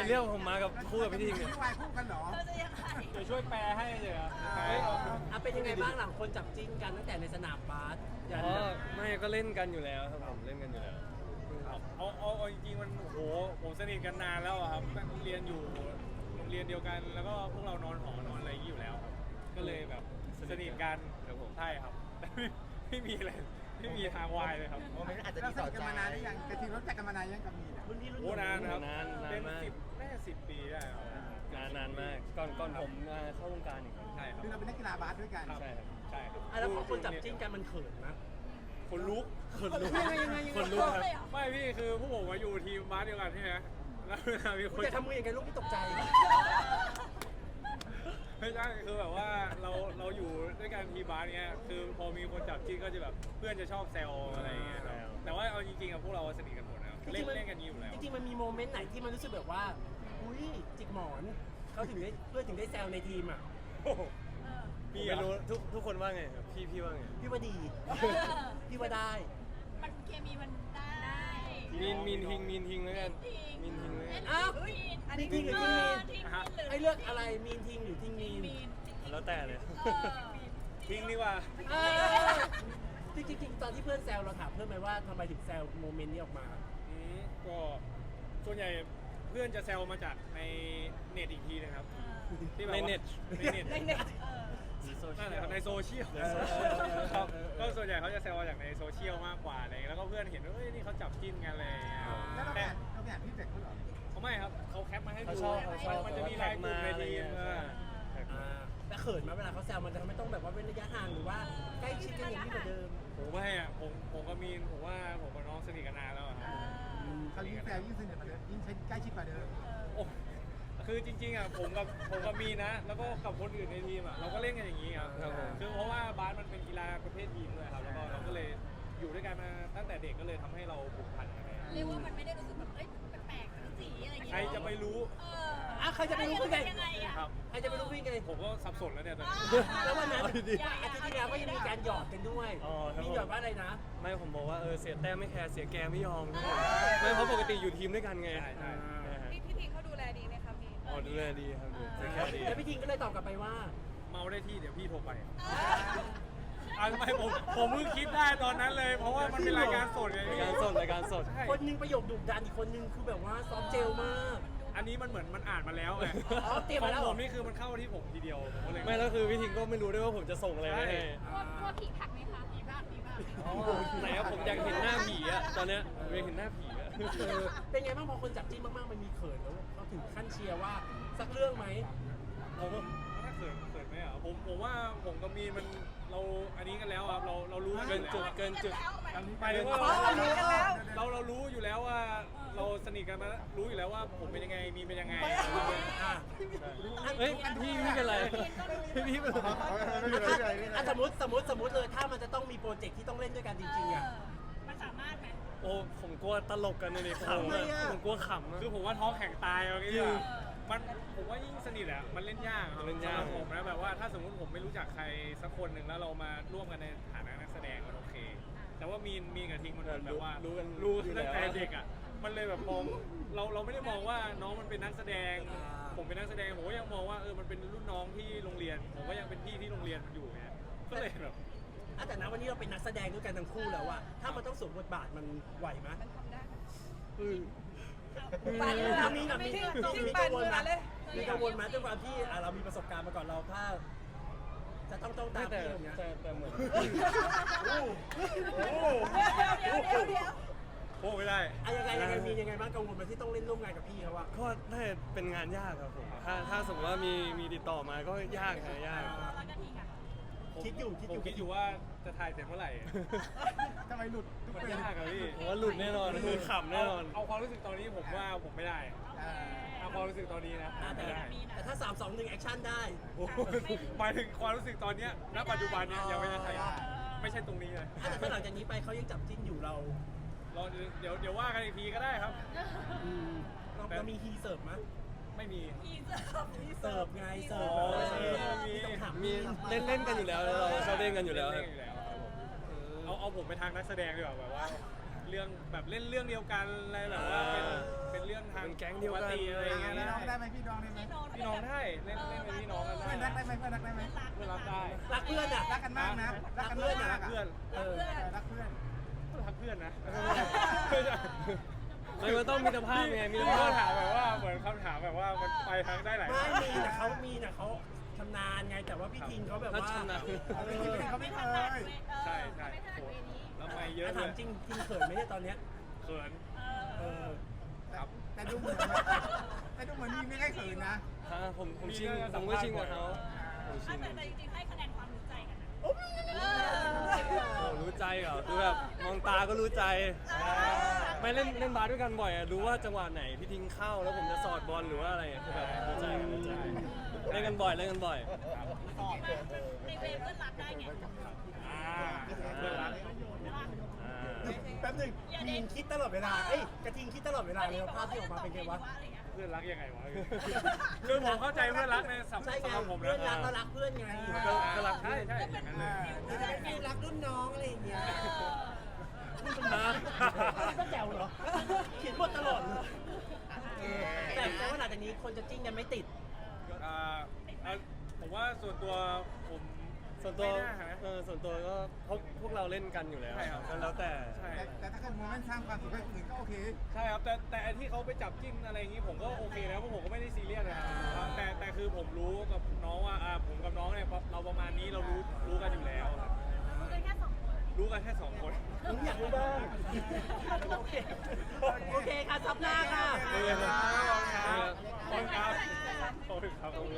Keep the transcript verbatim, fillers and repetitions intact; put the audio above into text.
เรียกผมมากับคู่กับพี่ทิงเนี่ยพี่วายคู่กันเหรอเธอจะยังไงเดี๋ยวช่วยแปลให้เลยครับอ่าแปลให้เราอ่ะเป็นยังไงบ้างหลังคนจับจิ้นกันตั้งแต่ในสนามบาสยันอ๋อไม่ก็เล่นกันอยู่แล้วครับผมเล่นกันอยู่แล้วเอาเอาเอาเอาจริงๆมันโอ้โหผมสนิทกันนานแล้วอะครับเรียนอยู่โรงเรียนเดียวกัน แล้วก็พวกเรานอนหอนอนอะไรอย่างนี้อยู่แล้วครับก็เลยแบบสนิทกันครับผมใช่ครับแต่ไม่ไม่มีอะไรไม่มีทางวายเลยครับโมเมนต์อาจจะเราสนิทกันมานานหรือยังแต่ทีมรู้จักกันมานานยังกับมีนรุ่นพี่รุ่นโอ้นานนะครับนานนานเป็นมากสิบแม่สิบปีได้ครับนานนานมากก่อนก่อนผมมาเข้าวงการอีกครับใช่ครับคือเราเป็นนักกีฬาบาสด้วยกันครับใช่ครับใช่ครับอ่ะแล้วพอคนจับจิ้นกันมันเขินนะคนลุกคนลุกยังไงยังไงยังไงคนลุกครับเลยเหรอไม่พี่คือพวกผมมาอยู่ทีมบาสเดียวกันใช่ไหมแล้วเวลามีคนจะทำมืออย่างไงลูกที่ตกใจไม่ใช่คือแบบว่าเราเราอยู่ด้วยกันทีมบาสเนี้ยคือพอมีคนจับจิ้นก็จะแบบเพื่อนจะชอบแซวอะไรอย่างเงี้ยครับแต่ว่าเอาจริงๆอะพวกเราสนิทกันหมดนะครับเล่นเล่นกันอยู่แล้วจริงๆมันมีโมเมนต์ไหนที่มันรู้สึกแบบว่าอุ้ยจิกหมอนเขาถึงได้เพื่อนถึงได้แซวในทีมอ่ะโอ้โหเออมีไม่เหรรู้อทุกทุกคนว่าไงครับพี่พี่ว่าไงพี่ว่าดี พี่ว่าได้มันเคมีมันได้มีนมีนทิงมีนทิงแล้วกันมีนทิงแล้วกันอ้าวมีนอันนี้ทิงหรือทิงมีนทิงมีนหรือให้เลือกอะไรมีนทิงหรือทิงมีนมีนแล้วแต่เลยเออทิ้งดีกว่าเออจริงๆจริงๆตอนที่เพื่อนแซวเราถามเพื่อนไหมว่าทำไมถึงแซวโมเมนต์นี้ออกมาอืมก็ส่วนใหญ่เพื่อนจะแซวมาจากในเน็ตอีกทีนะครับที่แบบในว่าเน็ตในเน็ตในเน็ตเออนั่นแหละครับในโซเชียลในโซเชียลครับก็ส่วนใหญ่เขาจะแซวมาจากในโซเชียลมากกว่าอะไรอย่างเงี้ยแล้วก็เพื่อนเห็นว่าเอ้ยนี่เขาจับจิ้นกันอะไรอย่างเลยแล้วเราแต่แอบเราแอบพี่เด็กเขาเหรอเขาไม่ครับเขาแคปมาให้เขาดูชอบเขาชอบมันจะมีไลน์กลุ่มในทีมเออแท็กมาอ่าแต่เขินไหมาเวลาเขาแซวมันจะทำให้ต้องแบบว่าเว้นระยะห่างหรือว่าใกล้ชิดกันอย่างนี้กว่าเดิมผมไม่อะผมผมกับมีนผมว่าผมกับน้องสนิทกันนานแล้วอะครับเขายิ่งแซวยิ่งสนิทกว่าเดิมยิ่งใกล้ชิดกว่าเดิมโอ้คือจริงๆอ่ะผมกับผมกับมีนนะ แล้วก็กับคนอื่นในทีมอ่ะเราก็เล่นกันอย่างนี้ครับครับผมคือเพราะว่าบาสมันเป็นกีฬาประเภททีมด้วยครับแล้วก็เราก็เลยอยู่ด้วยกันมาตั้งแต่เด็กก็เลยทำให้เราผูกพันกันเลยเรียกว่ามันไม่ได้รู้สึกแบบเอ้ยแปลกๆสีอะไรอย่างเงี้ยใครจะไปรู้เอออ่ะใครจะไปรู้เป็นยังไงอ่ะครับใครจะไปรู้พี่ไงผมก็สับสนแล้วเนี่ยตอนนี้แล้ววันนั้นเอาดีๆอาทิตย์ที่แล้วก็ยังมีการหยอดกันด้วยอ๋อครับมีหยอดว่าอะไรนะไม่ผมบอกว่าเออเสียแต้มไม่แคร์เสียแกมไม่ยอมไม่เพราะปกติอยู่ทีมด้วยกันไงใช่ใช่นะฮะพี่พี่ทีเขาดูแลดีไหมคะพี่อ๋อดูแลดีครับดูแลดีแล้วพี่ทิงก็เลยตอบกลับไปว่าเมาได้ที่เดี๋ยวพี่โทรไปอ่ะทำไมผมผมเพิ่งคิดได้ตอนนั้นเลย เพราะว่ามันเป็นรายการสดไงรายพี่การสดรายการสดใช่คนหนึงประโยคดุดันอีกคนหนึงคือแบบว่าซอฟต์เจลมากอันนี้มันเหมือนมันอ่านมาแล้วไงอ๋อเตรียมขอมาง แล้วเหผรอมนี่คือมันเข้าที่ผมทีเดียวผมก็เลยไม่แล้วคือพี่ทิงก็ไม่รู้ด้วยว่าผมจะส่งอะไรไปให้กลัวกลัวผีผักไหมคะผีบ้างผีบ้างไหนอะผมอยากเห็นหน้าผีอะตอนเนี้ยผมอยากเห็นหน้าผีอะเออเป็นไงบ้างพอคนจับจิ้นมากๆมันมีเขินแล้วเขาถึงขั้นเชียร์ว่าสักเรื่องไหมผมถ้าเขินเขินไหมอ่ะผมผมว่าผมกับมีนมันเราอันนี้กันแล้วครับเราเรารู้เกินจุดแล้วเกินจุดหมายถึงว่าอ๋อเรารู้กันแล้วเราเรารู้อยู่แล้วว่าเราสนิทกันมารู้อยู่แล้วว่าผมเป็นยังไงมีนเป็นยังไงอ่ะเฮ้ยพี่พี่เป็นไรพี่พี่เป็นไรอ่ะสมมติสมมติสมมติเลยถ้ามันจะต้องมีโปรเจกต์ที่ต้องเล่นด้วยกันจริงๆอ่ะมันสามารถไหมโอ้ผมกลัวตลกกันเลยขำทำไมอะอะผมกลัวขำอะคือผมว่าท้องแข็งตายอะไรอย่างจริเงี้งยมันผมว่ายิ่งสนิทอะมันเล่นยากครับมันเล่นยากสำหรับผมนะแบบว่าถ้าสมมติผมไม่รู้จักใครสักคนหนึ่งแล้วเรามาร่วมกันในฐานะนักแสดงมันโอเค แต่ว่ามีนมีนกับทิงมันเหมือนแบบว่ารู้กันรู้อยู่ตั้งแต่แล้วเด็กอ่ะ มันเลยแบบมองเราเราไม่ได้มองว่าน้องมันเป็นนักแสดง ผมเป็นนักแสดงผมก็ยังมองว่าเออมันเป็นรุ่นน้องที่โรงเรียน ผมก็ยังเป็นพี่ที่โรงเรียนมันอยู่ไงก็เลยแบบอ่ะแต่นะวันนี้เราเป็นนักแสดงด้วยกันทั้งคู่แล้วอะถ้ามันต้องสวมบทบาทมันไหวไหมมันทำได้มีปานมือมีกับมีไม่มีทิ้งมีกังวลไหมปานมือเลยมีกังวลไหมด้วยความที่อ่ะเรามีประสบการณ์มาก่อนเราถ้า จะต้องต้องตามแต่พี่อย่างเงี้ยแต่แต่เหมือนโอ้โหเดี๋ยวเดี๋ยวเดี๋ยวโอ้ไม่ได้อ่ะยังไงยังไงมียังไงบ้างกังวลไหมที่ต้องเล่นร่วมงานกับพี่เขาอะก็น่าจะเป็นงานยากครับผมถ้าถ้าสมมติว่ามีมีติดต่อมาก็ยากครับยากแล้วก็ทิ้งอ่ะคิดอยู่คิดผอมยู่คิดอยู่ว่าจะถ่ายเสร็จเมื่อไหร่ทำไมหลุดทุกมันเป็นยากอะพี่ผมว่าหลุดแน่นอนคือขำแน่นอนเอาเอาความรู้สึกตอนนี้ผมว่าผมไม่ได้อ่าเอาความรู้สึกตอนนี้นะอ่ะแต่ไม่ได้แต่ถ้าสามสองหนึ่งแอคชั่นได้โอ้โหหมายถึงความรู้สึกตอนเนี้ยณปัจจุบันเนี้ยยังไม่ได้ใช่ไม่ใช่ตรงนี้เลยอ่ะแต่ถ้าหลังจากนี้ไปเขายังจับจิ้นอยู่เรารอเดี๋ยวเดี๋ยวว่ากันอีกทีก็ได้ครับอืมเราเรามีฮีเสิร์ฟมั้ยไม่มีอีเสิร์ฟอีเสิร์ฟไงเสิร์ฟอ๋อมีต้องถามมีเล่นเล่นกันอยู่แล้วแล้วเราชอบเล่นกันอยู่แล้วเล่นกันอยู่แล้วครับผมเอาเอาผมไปทางนักแสดงดีกว่าแบบว่าเรื่องแบบเล่นเรื่องเดียวกันอะไรแบบว่าเป็นเป็นเรื่องทางเป็นแก๊งเดียวกันปติอะไรอย่างเงี้ยพี่น้องได้ไหมพี่น้องได้ไหมพี่น้องได้เล่นเล่นเป็นพี่น้องกันเพื่อนรักได้ไหมเพื่อนรักได้ไหมเพื่อนรักได้รักเพื่อนอ่ะรักกันมากนะรักกันมากรักเพื่อนเออรักเพื่อนรักเพื่อนนะมันก็ต้องมีมิตรภาพไงมีมีมิตรคำภาพถามแบบว่าเหมือนคำถามแบบว่ามันไปทางได้หลายไม่ทางมีนะเขามีนะเขาชำนาญไงแต่ว่าพี่ทิงเขาแบบถ้าว่าชนะเอาไปกินเขาไม่เคยใช่ใช่โหแล้วไม่เยอะอ่ะเลถามยจริงทิงเขินไหมเนี่ยตอนเนี้ยเขินเออครับแต่ดูเหมือนแต่ดูเหมือนมีไม่ค่อยเขินนะฮะผมผมชิงผมก็ชิงกับเขาผมชิงแต่แต่จริงๆให้คะแนนความรู้ใจกันนะโอ้รู้ใจเหรอคือแบบมองตาก็รู้ใจ ไม่เล่นเล่นบาสด้วยกันบ่อยอะรู้ว่าจังหวะไหนพี่ทิ้งเข้าแล้วผมจะสอดบอลหรือว่าอะไรคือแบบรู้ใจกันรู้ใจเล่นกันบ่อยเล่นกันบ่อยในเวฟเพื่อนรักได้ไงอ่าเพื่อนรักอ่าแป๊บหนึงทิงคิดตลอดเวลาเอ้ยกระทิงคิดตลอดเวลาเลยว่าภาพที่ออกมาเป็นไงวะเพื่อนรักยังไงวะคือผมเข้าใจเพื่อนรักในสำใช่ไงสำหรับผมเพื่นะอนรักก็รักเพื่อนไงก็ก็รักใช่ใช่อย่างนั้นเลยจะเป็นฟิลรักรุ่นน้องอะไรอย่างเงี้ยนะก็แจ๋วเหรอเขียนบทตลอดเลยแต่แต่ว่าหลังจากนี้คนจะจิ้นกันไม่ติดอ่าเอ่อผมว่าส่วนตัวผมส่วนตัวไม่น่านะเออส่วนตัวก็พวกพวกเราเล่นกันอยู่แล้วใช่ครับก็แล้วแต่ใช่แต่แต่ถ้าเกิดโมเมนต์สร้างความสุขให้คนอื่นก็โอเคใช่ครับแต่แต่ไอ้ที่เขาไปจับจิ้นอะไรอย่างนี้ผมก็โอเคนะเพราะผมก็ไม่ได้ซีเรียสนะครับแต่แต่คือผมรู้กับน้องว่าอ่าผมกับน้องเนี่ยเราประมาณนี้เรารู้รู้กันอยู่แล้วครับรู้กันแค่สองคนรู้กันแค่สองคนผมอยากรู้บ้างโอเค โอเคค่ะซับหน้าค่ะโอเคครับขอบคุณครับขอบคุณครับ